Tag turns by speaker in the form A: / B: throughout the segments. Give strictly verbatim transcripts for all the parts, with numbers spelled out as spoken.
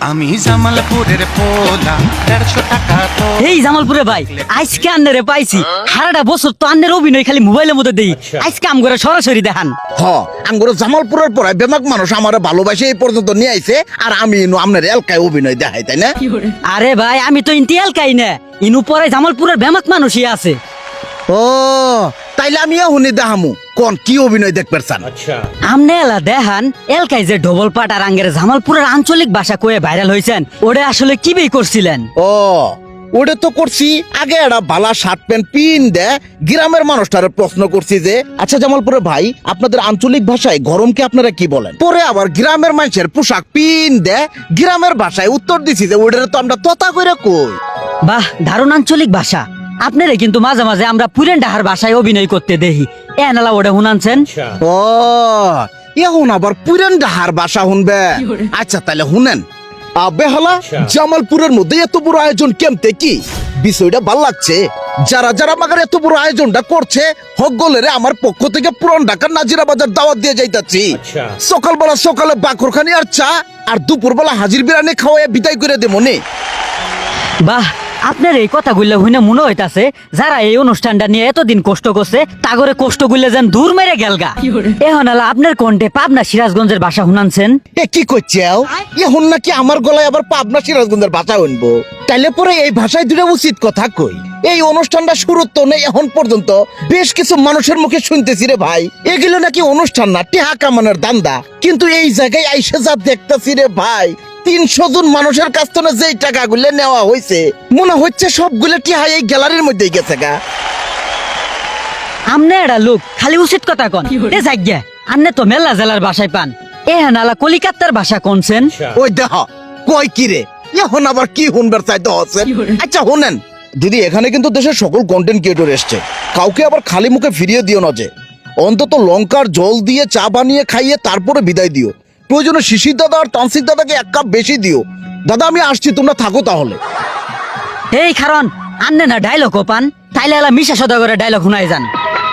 A: আমি জামালপুরের পোলা দেড়শো টাকা তো।
B: এই জামালপুরে ভাই আজকে আন্নারে পাইছি সারাটা বছর তো আন্নের অভিনয় খালি মোবাইলের মধ্যে দেই আজকে আম করে সরাসরি দেখান।
C: হ আঙ্গুর জামালপুরের পরে বেমাক মানুষ আমার ভালোবাসে এই পর্যন্ত নিয়ে আইছে আর আমি ইনু আপনার এলাকায় অভিনয় দেখাই তাই না?
B: আরে ভাই আমি তো ইন্টি এলকাই না ইনু পরে জামালপুরের বেমাক মানুষই আছে।
C: ও তাইলে আমি এখনই দেখামু কোন কি অভিনয় দেখবার চান?
B: আমনে এলা দেখান এলকাই যে ডবল পাট আর আঙ্গের জামালপুরের আঞ্চলিক ভাষা কয়ে ভাইরাল হয়েছেন ওটা আসলে কি বেই করছিলেন?
C: ও ওটা তো করছি আগে একটা বালা শার্ট প্যান্ট পিন দে গ্রামের মানুষটারে প্রশ্ন করছি যে আচ্ছা জামালপুরের ভাই আপনাদের আঞ্চলিক ভাষায় গরমকে আপনারা কি বলেন? পরে আবার গ্রামের মানুষের পোশাক পিন দে গ্রামের ভাষায় উত্তর দিছি যে ওটা তো আমরা তথা করে কই।
B: বাহ দারুণ আঞ্চলিক ভাষা। আপনারে কিন্তু মাঝে মাঝে আমরা পুরেন ডাহার ভাষায় অভিনয় করতে দেখি এ নালা ওটা শুনানছেন?
C: ও এখন আবার পুরান ডাহার ভাষা শুনবে? আচ্ছা তাহলে শুনেন বেহালা জামালপুরের মধ্যে এত বড় আয়োজন কেমতে কি বিষয়টা ভাল লাগছে। যারা যারা আমাকে এত বড় আয়োজনটা করছে হকগলেরে আমার পক্ষ থেকে পুরান ঢাকার নাজিরা বাজার দাওয়াত দিয়ে যাইতাছি। সকালবেলা সকালে বাকরখানি আর চা আর দুপুরবেলা হাজির বিরিয়ানি খাওয়াই বিদায় করে দেবো নে।
B: বাহ আপনার এই কথাগুলো হইনা মনে হইতাছে যারা এই অনুষ্ঠানটা নিয়ে এতদিন কষ্ট করছে তাগরে কষ্ট গুলো যেন দূর মেরে গেলগা। এখন আলা আপনার কণ্ঠে পাবনা সিরাজগঞ্জের ভাষা শুনানছেন?
C: এ কি করছেও এখন নাকি আমার গলায় আবার পাবনা সিরাজগঞ্জের ভাষা শুনবো? তাইলে পরে এই ভাষায় দুটো উচিত কথা কই। এই অনুষ্ঠানটা শুরু তো নেই এখন পর্যন্ত বেশ কিছু মানুষের মুখে শুনতেছি রে ভাই এগুলো নাকি অনুষ্ঠান না টেহা কামানোর দান্দা। কিন্তু এই জায়গায় আইসে যা দেখতেছি রে ভাই তিনশো জন মানুষের কাছ থেকে যেই টাকাগুলো নেওয়া হয়েছে মনে হচ্ছে সবগুলো টিহা এই গ্যালারির মধ্যেই গেছে গা।
B: আমনে এটা লোক খালি উচিত কথা কন এ জায়গা আমনে তো মেলা জেলার ভাষায় পান এ হানালা কলিকাতার ভাষা কোনছেন?
C: ওই দেখ কয় কি রে এখন আবার কি শুনবার চাইতে হচ্ছে। আচ্ছা শুনেন দিদি এখানে কিন্তু দেশের সকল কন্টেন্ট ক্রিয়েটর এসছে কাউকে আবার খালি মুখে ফিরিয়ে দিও না যে অন্তত লঙ্কার জল দিয়ে চা বানিয়ে খাইয়ে তারপরে বিদায় দিও। প্রয়োজনে শিশির দাদা আর তানসির দাদাকে এক কাপ বেশি দিও। দাদা আমি আসছি তোমরা থাকো তাহলে।
B: এই কারণ আন্নে না ডায়লগ পান তাইলে এলা মিশা সদাগরের ডায়লগ শুনাই যান।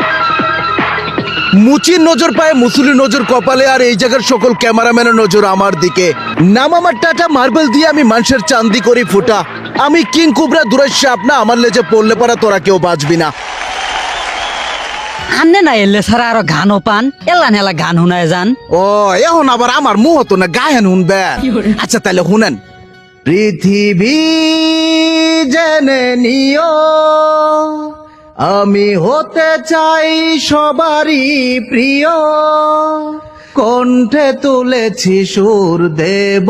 C: মুচির নজর পায় মুসুরি নজর কপালে আর এই জায়গার সকল ক্যামেরাম্যানের নজর আমার দিকে। নাম আমার টাটা মার্বেল দিয়ে আমি মানুষের চান্দি করি ফুটা। আমি কিং কুবরা দুরাইশ আপনা আমার লেজে পড়লে পড়া তোরা কেউ বাঁচবি না।
B: আন্নে না এলে ছাড়া আরো গানও পান এলা নেলা গান শুনায় যান।
C: ও এখন আবার আমার মুহ তো না গায়েন শুনবে। আচ্ছা তাহলে শুনেন পৃথিবী জেনে নিও আমি হতে চাই সবারই প্রিয় কণ্ঠে তুলেছি সুর দেব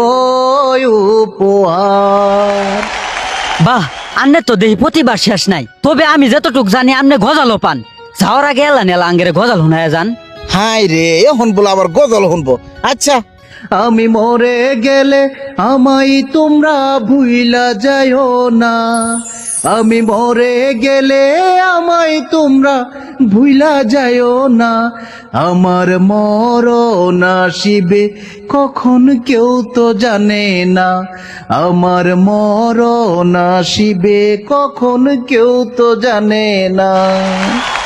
C: উপহার।
B: বাহ আন্নে তো দেহি প্রতিবার শেষ নাই তবে আমি যতটুক জানি আমনে গজালও পান যাওয়ার আগে এলা নেলা আঙ্গেরে গজাল শুনায় যান।
C: হাই রে এখন বলে আবার গজল শুনবো। আচ্ছা আমি মরে গেলে আমায় তোমরা ভুইলা যাইও না আমি মরে গেলে আমায় তোমরা ভুইলা যাইও না আমার মরণ আসিবে কখন কেউ তো জানে না আমার মরণ আসিবে কখন কেউ তো জানে না।